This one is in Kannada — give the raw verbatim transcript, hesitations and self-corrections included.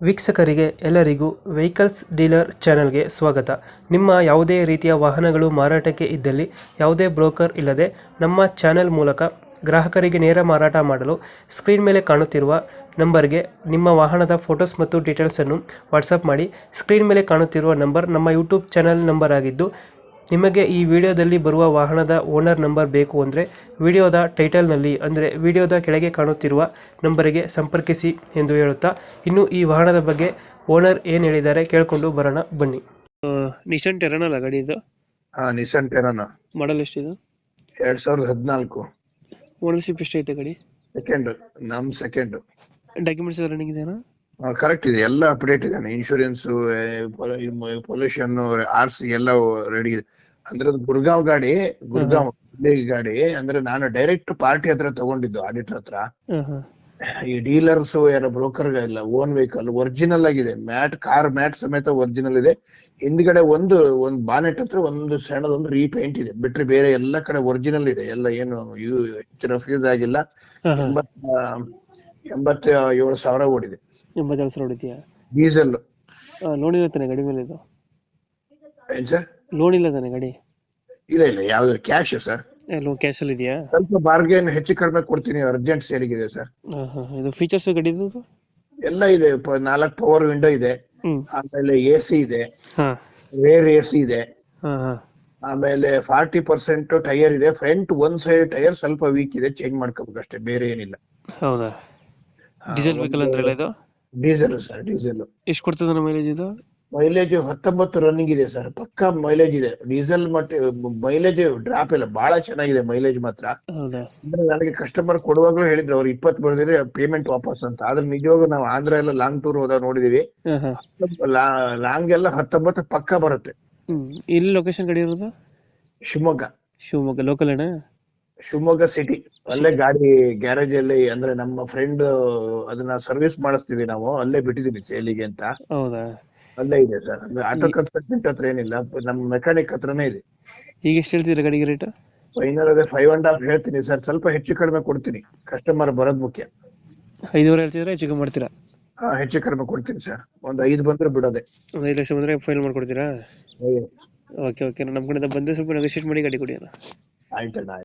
ವೀಕ್ಷಕರಿಗೆ ಎಲ್ಲರಿಗೂ ವೆಹಿಕಲ್ಸ್ ಡೀಲರ್ ಚಾನೆಲ್ಗೆ ಸ್ವಾಗತ. ನಿಮ್ಮ ಯಾವುದೇ ರೀತಿಯ ವಾಹನಗಳು ಮಾರಾಟಕ್ಕೆ ಇದ್ದಲ್ಲಿ ಯಾವುದೇ ಬ್ರೋಕರ್ ಇಲ್ಲದೆ ನಮ್ಮ ಚಾನೆಲ್ ಮೂಲಕ ಗ್ರಾಹಕರಿಗೆ ನೇರ ಮಾರಾಟ ಮಾಡಲು ಸ್ಕ್ರೀನ್ ಮೇಲೆ ಕಾಣುತ್ತಿರುವ ನಂಬರ್ಗೆ ನಿಮ್ಮ ವಾಹನದ ಫೋಟೋಸ್ ಮತ್ತು ಡೀಟೇಲ್ಸನ್ನು ವಾಟ್ಸಪ್ ಮಾಡಿ. ಸ್ಕ್ರೀನ್ ಮೇಲೆ ಕಾಣುತ್ತಿರುವ ನಂಬರ್ ನಮ್ಮ ಯೂಟ್ಯೂಬ್ ಚಾನೆಲ್ ನಂಬರ್ ಆಗಿದ್ದು, ನಿಮಗೆ ಈ ವಿಡಿಯೋದಲ್ಲಿ ಬರುವ ವಾಹನದ ಓನರ್ ನಂಬರ್ ಬೇಕು ಅಂದರೆ ವಿಡಿಯೋದ ಟೈಟಲ್ನಲ್ಲಿ ಅಂದರೆ ವಿಡಿಯೋದ ಕೆಳಗೆ ಕಾಣುತ್ತಿರುವ ನಂಬರಿಗೆ ಸಂಪರ್ಕಿಸಿ ಎಂದು ಹೇಳುತ್ತಾ, ಇನ್ನು ಈ ವಾಹನದ ಬಗ್ಗೆ ಓನರ್ ಏನು ಹೇಳಿದ್ದಾರೆ ಕೇಳಿಕೊಂಡು ಬರೋಣ ಬನ್ನಿ. ನಿಶಾನ್ ಟೆರನ್ ಅಲ್ಲ ಗಾಡಿ ಇದು? ಹಾ, ನಿಸಾನ್ ಟೆರನ್ ಮಾಡಲ್ ಎಷ್ಟಿದೆ? ಎರಡ್ ಸಾವಿರದ ಹದಿನಾಲ್ಕು. ಓನರ್ಶಿಪ್ ಎಷ್ಟೈತೆ ಗಾಡಿ? ಸೆಕೆಂಡ್, ನಮ್ ಸೆಕೆಂಡ್. ಡಾಕ್ಯುಮೆಂಟ್ಸ್ ರನ್ನಿಂಗ್ ಇದೆಯಾ? ಕರೆಕ್ಟ್ ಇದೆ, ಎಲ್ಲ ಅಪ್ಡೇಟ್ ಇದೆ. ಇನ್ಶೂರೆನ್ಸ್, ಪೊಲ್ಯೂಷನ್, ಆರ್ ಸಿ ಎಲ್ಲ ರೆಡಿ ಇದೆ. ಅಂದ್ರೆ ಅದು ಗುರ್ಗಾಂವ್ ಗಾಡಿ, ಗುರ್ಗಾಂವ್ ಗಾಡಿ. ಅಂದ್ರೆ ನಾನು ಡೈರೆಕ್ಟ್ ಪಾರ್ಟಿ ಹತ್ರ ತಗೊಂಡಿದ್ದು, ಆಡಿಟರ್ ಹತ್ರ. ಈ ಡೀಲರ್ಸ್ ಯಾರ ಬ್ರೋಕರ್ ಇಲ್ಲ, ಓನ್ ವೆಹಿಕಲ್ ಒರಿಜಿನಲ್ ಆಗಿದೆ. ಮ್ಯಾಟ್, ಕಾರ್ ಮ್ಯಾಟ್ ಸಮೇತ ಒರಿಜಿನಲ್ ಇದೆ. ಹಿಂದ್ಗಡೆ ಒಂದು ಒಂದ್ ಬಾನೆಟ್ ಹತ್ರ ಒಂದು ಸಣ್ಣದೊಂದು ರೀಪೇಂಟ್ ಇದೆ, ಬಿಟ್ರೆ ಬೇರೆ ಎಲ್ಲ ಕಡೆ ಒರಿಜಿನಲ್ ಇದೆ. ಎಲ್ಲ ಏನು ಹೆಚ್ಚಿನ ಫೀಸ್ ಆಗಿಲ್ಲ. ಎಂಬತ್ತ ಎಂಬತ್ತ ಏಳು ಸಾವಿರ ಓಡಿದೆ. ಎಂಬತ್ತೇಳು ಸಾವಿರ ಹೊಡಿತೀಯಾ? ಡೀಸೆಲ್. ಲೋನ್ ಇಲ್ಲ ತಾನೆ ಗಾಡಿ ಮೇಲೆ? ಇದು ಏನ್ ಸರ್? ಲೋನ್ ಇಲ್ಲ ತಾನೆ ಗಾಡಿ? ಇಲ್ಲ ಇಲ್ಲ, ಯಾವ್ದು ಕ್ಯಾಶ್ ಸರ್. ಲೋನ್ ಕ್ಯಾಶ್ ಅಲ್ಲಿ ಇದೆಯಾ? ಸ್ವಲ್ಪ ಬಾರ್ಗೇನ್ ಹೆಚ್ಚು ಕಡಿಮೆ ಕೊಡ್ತೀನಿ, ಅರ್ಜೆಂಟ್ ಸೇಲಿಗಿದೆ ಸರ್. ಇದು ಫೀಚರ್ಸ್ ಗಾಡಿದು ಎಲ್ಲ ಇದೆ. ನಾಲ್ಕು ಪವರ್ ವಿಂಡೋ ಇದೆ, ಆಮೇಲೆ ಎ ಸಿ ಇದೆ, ರೇರ್ ಎ ಸಿ ಇದೆ, ಆಮೇಲೆ ಫಾರ್ಟಿ ಪರ್ಸೆಂಟ್ ಟೈರ್ ಇದೆ. ಫ್ರಂಟ್ ಒಂದ್ ಸೈಡ್ ಟೈರ್ ಸ್ವಲ್ಪ ವೀಕ್ ಇದೆ, ಚೇಂಜ್ ಮಾಡ್ಕೋಬೇಕು ಅಷ್ಟೇ, ಬೇರೆ ಏನಿಲ್ಲ. ಹೌದಾ? ಡೀಸೆಲ್ ವೆಹಿಕಲ್ ಅಂದ್ರೆ ಇದು? Diesel sir, diesel. ಎಷ್ಟು ಕೊಡ್ತದೆ ಮೈಲೇಜ್ ಇದು? ಮೈಲೇಜ್ ಹತ್ತೊಂಬತ್ತು ರನ್ನಿಂಗ್ ಇದೆ ಸರ್, ಪಕ್ಕಾ ಮೈಲೇಜ್ ಇದೆ. ಡೀಸೆಲ್ ಮತ್ತೆ ಮೈಲೇಜ್ ಡ್ರಾಪ್ ಇಲ್ಲ, ಬಹಳ ಚೆನ್ನಾಗಿದೆ ಮೈಲೇಜ್ ಮಾತ್ರ. ಹೌದಾ? ಅಂದ್ರೆ ನನಗೆ ಕಸ್ಟಮರ್ ಕೊಡುವಾಗ್ಲೂ ಹೇಳಿದ್ರು, ಅವ್ರು ಇಪ್ಪತ್ತು ಬರ್ದಿದ್ರೆ ಪೇಮೆಂಟ್ ವಾಪಸ್ ಅಂತ. ಆದ್ರೆ ನಿಜವಾಗ ನಾವು ಆಂಧ್ರ ಎಲ್ಲ ಲಾಂಗ್ ಟೂರ್ ಹೋದಾಗ ನೋಡಿದೀವಿ, ಲಾಂಗ್ ಎಲ್ಲ ಹತ್ತೊಂಬತ್ತು ಪಕ್ಕ ಬರುತ್ತೆ. ಇಲ್ಲಿ ಲೊಕೇಶನ್ ಗಾಡಿ ಇರೋದು? ಶಿವಮೊಗ್ಗ. ಶಿವಮೊಗ್ಗ ಲೋಕಲ್ ಅಣ್ಣ? ಶಿವಮೊಗ್ಗ ಸಿಟಿ. ಅಲ್ಲೇ ಗಾಡಿ ಗ್ಯಾರೇಜ್ ಅಲ್ಲಿ, ಅಂದ್ರೆ ನಮ್ಮ ಫ್ರೆಂಡ್ ಅದನ್ನ ಸರ್ವಿಸ್ ಮಾಡಿಸ್ತೀವಿ ನಾವು, ಅಲ್ಲೇ ಬಿಟ್ಟಿದೀವಿ ಸೇಲಿಗೆ ಅಂತ. ಹೌದಾ? ಅಲ್ಲೇ ಇದೆ ಸರ್. ಅಂದ್ರೆ ಆಟೋ ಕನ್ಸಲ್ಟೆಂಟ್ ಹತ್ರ ಏನಿಲ್ಲ, ನಮ್ಮ ಮೆಕ್ಯಾನಿಕ್ ಹತ್ರನೇ ಇದೆ. ಈಗ ಎಷ್ಟು ಹೇಳ್ತೀರಾ ಗಾಡಿಗೆ ರೇಟ್? ಫೈನಲ್ ಅದೇ ಫೈವ್ ಅಂಡ್ ಹಾಫ್ ಹೇಳ್ತೀನಿ ಸರ್, ಸ್ವಲ್ಪ ಹೆಚ್ಚು ಕಡಿಮೆ ಕೊಡ್ತೀನಿ. ಕಸ್ಟಮರ್ ಬರೋದ್ ಮುಖ್ಯ. ಐದುವರೆ ಹೇಳ್ತಿದ್ರೆ ಹೆಚ್ಚು ಕಮ್ಮಿ ಮಾಡ್ತೀರಾ? ಹಾ, ಹೆಚ್ಚು ಕಡಿಮೆ ಕೊಡ್ತೀನಿ ಸರ್. ಒಂದ್ ಐದು ಬಂದ್ರೆ ಬಿಡೋದೆ. ಒಂದ್ ಐದು ಲಕ್ಷ ಬಂದ್ರೆ ಫೈನಲ್ ಮಾಡ್ಕೊಡ್ತೀರಾ? ಓಕೆ ಓಕೆ, ನಮ್ಮ ಕಡೆಯಿಂದ ಬಂದ್ರೆ ಸ್ವಲ್ಪ ನೆಗೋಶಿಯೇಟ್ ಮಾಡಿ ಗಾಡಿ ಕೊಡಿ. ಆಯ್ತಣ್ಣ.